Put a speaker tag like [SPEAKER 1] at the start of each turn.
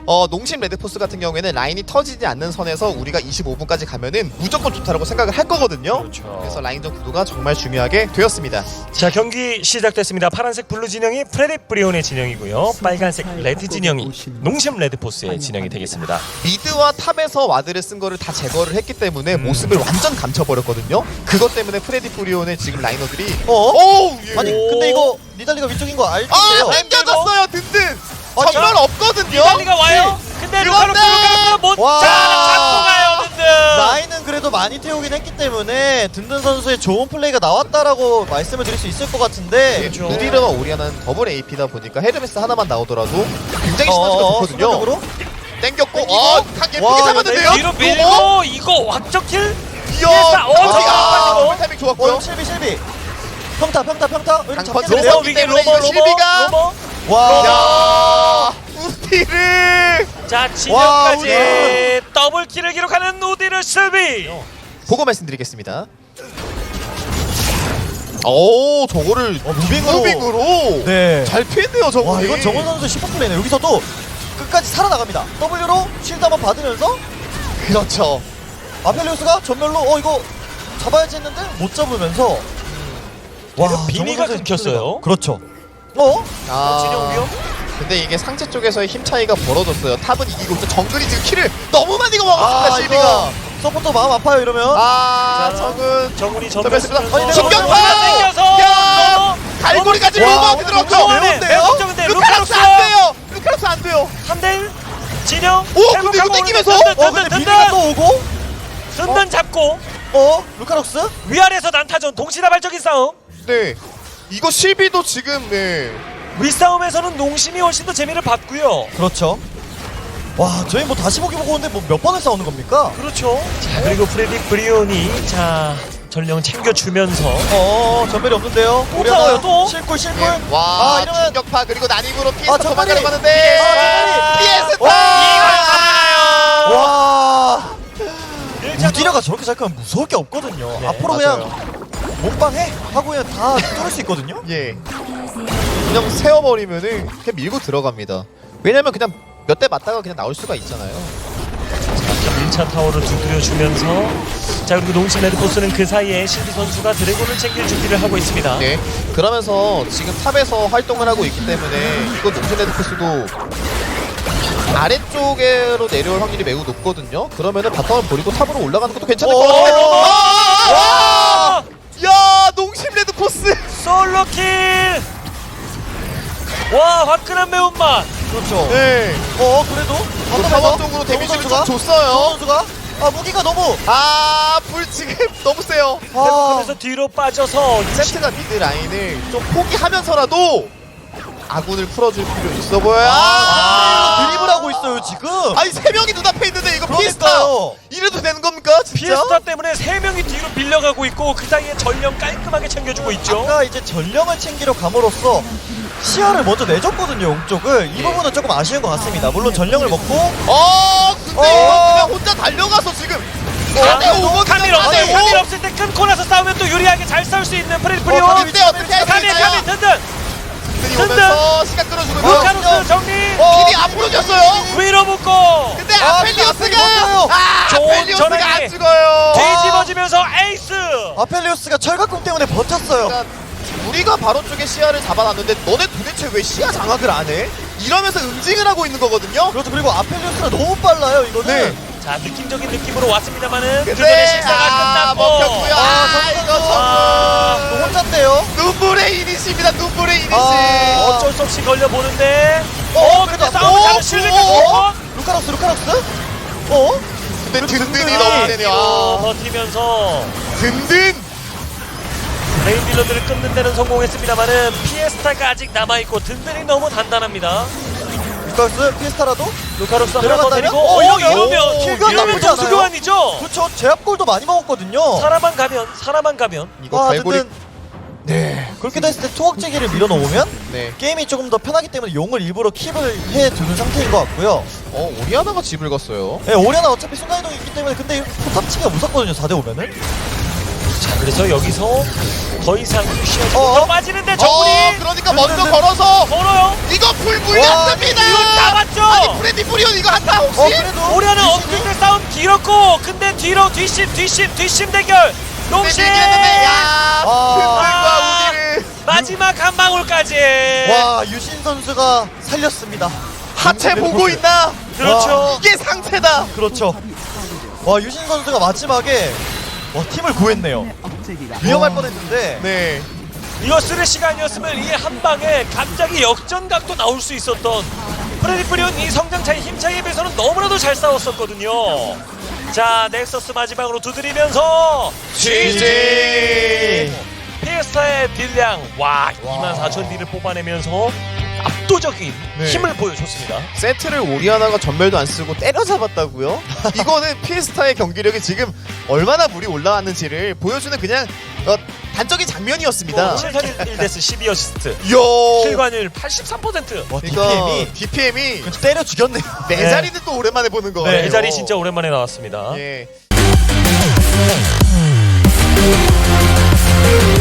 [SPEAKER 1] 농심 레드포스 같은 경우에는 라인이 터지지 않는 선에서 우리가 25분까지 가면은 무조건 좋다라고 생각을 할 거거든요.
[SPEAKER 2] 그렇죠.
[SPEAKER 1] 그래서 라인전 구도가 정말 중요하게 되었습니다.
[SPEAKER 2] 자, 경기 시작됐습니다. 파란색 블루 진영이 프레디 브리온의 진영이고요. 빨간색 레드 진영이 농심 레드포스의 진영이 되겠습니다.
[SPEAKER 1] 미드와 탑에서 와드를 쓴 거를 다 제거를 했기 때문에 모습을 완전 감춰버렸거든요. 그것 때문에 프레디 브리온의 지금 라이너들이 예.
[SPEAKER 3] 아니 근데 이거 니달리가 위쪽인 거 알죠?
[SPEAKER 1] 당겨졌어요. 든든 전면
[SPEAKER 2] 자,
[SPEAKER 1] 없거든요.
[SPEAKER 2] 니달리가 와요. 근데
[SPEAKER 1] 그런데!
[SPEAKER 2] 루카로스가 못
[SPEAKER 3] 와.
[SPEAKER 2] 잡고 가요. 든든.
[SPEAKER 3] 라인은 그래도 많이 태우긴 했기 때문에 든든 선수의 좋은 플레이가 나왔다라고 말씀을 드릴 수 있을 것 같은데
[SPEAKER 2] 그렇죠.
[SPEAKER 1] 누디르와 오리아나는 더블 AP다 보니까 헤르메스 하나만 나오더라도 굉장히 시너지가 좋거든요.
[SPEAKER 3] 순간적으로?
[SPEAKER 1] 땡겼고 각 예쁘게
[SPEAKER 3] 와,
[SPEAKER 1] 잡았는데요.
[SPEAKER 2] 뒤로 밀고 이거 확정킬.
[SPEAKER 1] 이야
[SPEAKER 2] 저기가
[SPEAKER 1] 타이밍 좋았고요.
[SPEAKER 3] 실비 평타
[SPEAKER 1] 강펀
[SPEAKER 3] 잡히는데요?
[SPEAKER 1] 로버
[SPEAKER 2] 위에
[SPEAKER 1] 때문에 이거 실비가
[SPEAKER 2] 로버.
[SPEAKER 3] 와
[SPEAKER 1] 야 우디르
[SPEAKER 2] 자,
[SPEAKER 3] 와,
[SPEAKER 2] 진영까지
[SPEAKER 3] 우디르.
[SPEAKER 2] 더블킬을 기록하는 우디르 실비.
[SPEAKER 1] 보고 말씀드리겠습니다. 오 저거를 무빙으로
[SPEAKER 3] 네.
[SPEAKER 1] 잘 피했네요 저거.
[SPEAKER 3] 와 이건 정원 선수의 슈퍼플레이네. 여기서도 끝까지 살아나갑니다. W로 쉴드 한번 받으면서
[SPEAKER 1] 그렇죠.
[SPEAKER 3] 아펠리우스가 전멸로 이거 잡아야지 했는데 못 잡으면서
[SPEAKER 2] 이거 비니가
[SPEAKER 3] 정원 선수의
[SPEAKER 2] 끊겼어요.
[SPEAKER 3] 슈퍼플레이가. 그렇죠.
[SPEAKER 2] 진영 위험.
[SPEAKER 1] 근데 이게 상체 쪽에서의 힘 차이가 벌어졌어요. 탑은 이기고 있어. 정글이 지금 킬을 너무 많이 먹었습니다. 실비가.
[SPEAKER 3] 이거 서포터 마음 아파요 이러면.
[SPEAKER 1] 아
[SPEAKER 2] 자,
[SPEAKER 1] 정은
[SPEAKER 2] 정훈이
[SPEAKER 1] 전멸했습니다.
[SPEAKER 2] 전멸.
[SPEAKER 1] 신경파!
[SPEAKER 2] 땡겨서.
[SPEAKER 1] 야! 갈고리까지
[SPEAKER 3] 와,
[SPEAKER 1] 로버한테
[SPEAKER 3] 오늘
[SPEAKER 1] 들어갔죠.
[SPEAKER 3] 너무 매운데요?
[SPEAKER 2] 근데
[SPEAKER 1] 루카락스 안 돼요. 루카락스 안 돼요.
[SPEAKER 2] 3대1 진영.
[SPEAKER 1] 오, 근데 이거 땡기면서?
[SPEAKER 3] 근데 비니가 또 오고
[SPEAKER 2] 든든 잡고
[SPEAKER 3] 루카록스?
[SPEAKER 2] 위아래에서 난타전 동시다발적인 싸움.
[SPEAKER 1] 네. 이거 실비도 지금 네.
[SPEAKER 2] 윗싸움에서는 농심이 훨씬 더 재미를 봤고요.
[SPEAKER 3] 그렇죠. 와 저희 뭐 다시 보기 보고 오는데 뭐 몇 번을 싸우는 겁니까?
[SPEAKER 2] 그렇죠. 자, 그리고 프레디 브리온이 전령 챙겨주면서
[SPEAKER 3] 전멸이 없는데요.
[SPEAKER 2] 또 싸워요, 또?
[SPEAKER 3] 실골
[SPEAKER 1] 예. 와,
[SPEAKER 3] 이러면
[SPEAKER 1] 충격파 그리고 난입으로 피해서
[SPEAKER 3] 전멸이!
[SPEAKER 1] 도망가려고 하는데 피해스타!
[SPEAKER 3] 와
[SPEAKER 2] 일자로-
[SPEAKER 3] 우디라가 저렇게 잘 크면 무서울 게 없거든요.
[SPEAKER 2] 네,
[SPEAKER 3] 앞으로
[SPEAKER 1] 맞아요.
[SPEAKER 3] 그냥 몸빵해 하고 그냥 다 뚫을 수 있거든요.
[SPEAKER 1] 예. 그냥 세워버리면은 그냥 밀고 들어갑니다. 왜냐면 그냥 몇 대 맞다가 그냥 나올 수가 있잖아요.
[SPEAKER 2] 1차 타워를 두드려주면서 자, 그리고 농심 레드포스는 그 사이에 신비 선수가 드래곤을 챙길 준비를 하고 있습니다.
[SPEAKER 1] 네. 그러면서 지금 탑에서 활동을 하고 있기 때문에 이거 농심 레드포스도 아래쪽으로 내려올 확률이 매우 높거든요. 그러면은 바텀을 버리고 탑으로 올라가는 것도 괜찮을 것 같아요.
[SPEAKER 2] 와!
[SPEAKER 1] 야, 농심 레드포스.
[SPEAKER 2] 솔로킬! 와, 화끈한 매운맛!
[SPEAKER 3] 그렇죠.
[SPEAKER 1] 네.
[SPEAKER 3] 그래도
[SPEAKER 1] 타워 쪽으로 데미지를 좀 줬어요.
[SPEAKER 3] 선수가 무기가 너무
[SPEAKER 1] 불 지금 너무 세요.
[SPEAKER 2] 회복하면서 뒤로 빠져서
[SPEAKER 1] 세트가 미드 라인을 좀 포기하면서라도 아군을 풀어줄 필요 있어 보여요.
[SPEAKER 3] 드리블하고 있어요 지금.
[SPEAKER 1] 아니 세 명이 눈앞에 있는데 이거 피스타
[SPEAKER 3] 그러니까요.
[SPEAKER 1] 이래도 되는 겁니까 진짜?
[SPEAKER 2] 피에스타 때문에 3명이 뒤로 밀려가고 있고 그 사이에 전령 깔끔하게 챙겨주고 있죠.
[SPEAKER 3] 아까 이제 전령을 챙기러 감으로써 시야를 먼저 내줬거든요 옹쪽을. 이 부분은 조금 아쉬운 것 같습니다. 물론 전령을 먹고
[SPEAKER 1] 근데 이거 그냥 혼자 달려가서 지금 4대5
[SPEAKER 2] 카밀 없어요. 카밀 없을 때 끊고 나서 싸우면 또 유리하게 잘 싸울 수 있는 프레디 브리온.
[SPEAKER 1] 어때 어떻게 할 수
[SPEAKER 2] 카밀
[SPEAKER 1] 있어요?
[SPEAKER 2] 든든.
[SPEAKER 1] 오면서 시간 끌어주고
[SPEAKER 2] 루카루스 정리.
[SPEAKER 1] 길이 앞으로 졌어요.
[SPEAKER 2] 위로 묶고
[SPEAKER 1] 근데 아펠리오스가
[SPEAKER 2] 좋은
[SPEAKER 1] 아펠리오스가
[SPEAKER 2] 전환이.
[SPEAKER 1] 안 죽어요.
[SPEAKER 2] 뒤집어지면서 에이스.
[SPEAKER 3] 아펠리우스가 철갑공 때문에 버텼어요.
[SPEAKER 1] 그러니까 우리가 바로 쪽에 시야를 잡아놨는데 너네 도대체 왜 시야 장악을 안 해? 이러면서 응징을 하고 있는 거거든요.
[SPEAKER 3] 그렇죠. 그리고 아펠리우스가 너무 빨라요 이거는.
[SPEAKER 1] 네.
[SPEAKER 2] 자, 느낌적인 느낌으로 왔습니다만은
[SPEAKER 1] 근데
[SPEAKER 2] 그들의 식사가 끝났고.
[SPEAKER 1] 먹혔고요. 이거
[SPEAKER 3] 또 혼자인데요.
[SPEAKER 1] 눈물의 이니시입니다. 눈물의 이니시.
[SPEAKER 2] 어쩔 수 없이 걸려 보는데.
[SPEAKER 3] 그래도
[SPEAKER 2] 근데 싸움을 잘한 실리가 좋고.
[SPEAKER 3] 루카록스.
[SPEAKER 1] 근데 든든이 너무 세네요.
[SPEAKER 2] 버티면서
[SPEAKER 1] 든든.
[SPEAKER 2] 메인 딜러들을 끊는 데는 성공했습니다만은 피에스타가 아직 남아있고 든든히 너무 단단합니다.
[SPEAKER 3] 루카록스 피스타라도.
[SPEAKER 2] 루카로스 하나 더
[SPEAKER 3] 내려간다면?
[SPEAKER 2] 데리고 이러면
[SPEAKER 3] 킬각
[SPEAKER 2] 이러면
[SPEAKER 3] 나쁘지 않아요.
[SPEAKER 2] 동수교환이죠.
[SPEAKER 3] 그렇죠. 제압골도 많이 먹었거든요.
[SPEAKER 2] 사람만 가면
[SPEAKER 1] 이거 갈고리.
[SPEAKER 3] 든든. 네. 그렇게 됐을 때 투억제기를 밀어놓으면
[SPEAKER 1] 네.
[SPEAKER 3] 게임이 조금 더 편하기 때문에 용을 일부러 킵을 해두는 상태인 것 같고요.
[SPEAKER 1] 오리아나가 집을 갔어요.
[SPEAKER 3] 네, 오리아나 어차피 순간이동이 있기 때문에 근데 포탑치기가 무섭거든요. 4대5면은.
[SPEAKER 2] 자, 그래서 여기서 더 이상 쉬어지
[SPEAKER 3] 어?
[SPEAKER 2] 못 빠지는데 정훈이
[SPEAKER 1] 그러니까 먼저 걸어서
[SPEAKER 2] 걸어요.
[SPEAKER 1] 이거 불불렸습니다.
[SPEAKER 2] 이거 잡았죠.
[SPEAKER 1] 아니 프레디 프리온 이거 한타 혹시?
[SPEAKER 3] 그래도
[SPEAKER 2] 오리아는 엉뚱한 싸움 길었고 근데 뒤로 뒷심 대결 농심
[SPEAKER 1] 대결했는데 야
[SPEAKER 3] 아.
[SPEAKER 1] 승들과 우디를
[SPEAKER 2] 마지막 한 방울까지.
[SPEAKER 3] 와 유신 선수가 살렸습니다.
[SPEAKER 1] 하체 보고 있나?
[SPEAKER 2] 그렇죠.
[SPEAKER 1] 이게 상체다.
[SPEAKER 3] 그렇죠. 와 유신 선수가 마지막에 팀을 구했네요. 위험할 뻔했는데
[SPEAKER 1] 네.
[SPEAKER 2] 이거 쓰레 시간이었으면 이 한 방에 갑자기 역전각도 나올 수 있었던 프레디 프리온 이 성장 차이 힘 차이에 비해서는 너무나도 잘 싸웠었거든요. 자 넥서스 마지막으로 두드리면서
[SPEAKER 1] GG.
[SPEAKER 2] 피에스타의 딜량 와 24,000 딜을 뽑아내면서 압도적인
[SPEAKER 1] 네.
[SPEAKER 2] 힘을 보여줬습니다.
[SPEAKER 1] 세트를 오리아나가 전멸도 안 쓰고 때려잡았다고요? 이거는 피에스타의 경기력이 지금 얼마나 물이 올라왔는지를 보여주는 그냥 단적인 장면이었습니다.
[SPEAKER 2] 7살 1데스 12어시스트
[SPEAKER 1] 이야.
[SPEAKER 2] 실관율 83%.
[SPEAKER 3] 와
[SPEAKER 1] 그러니까
[SPEAKER 3] DPM이
[SPEAKER 1] DPM이
[SPEAKER 3] 때려 죽였네요.
[SPEAKER 1] 네
[SPEAKER 2] 네.
[SPEAKER 1] 자리는 또 오랜만에 보는 거예요.
[SPEAKER 2] 네, 이 자리 진짜 오랜만에 나왔습니다.
[SPEAKER 1] 예.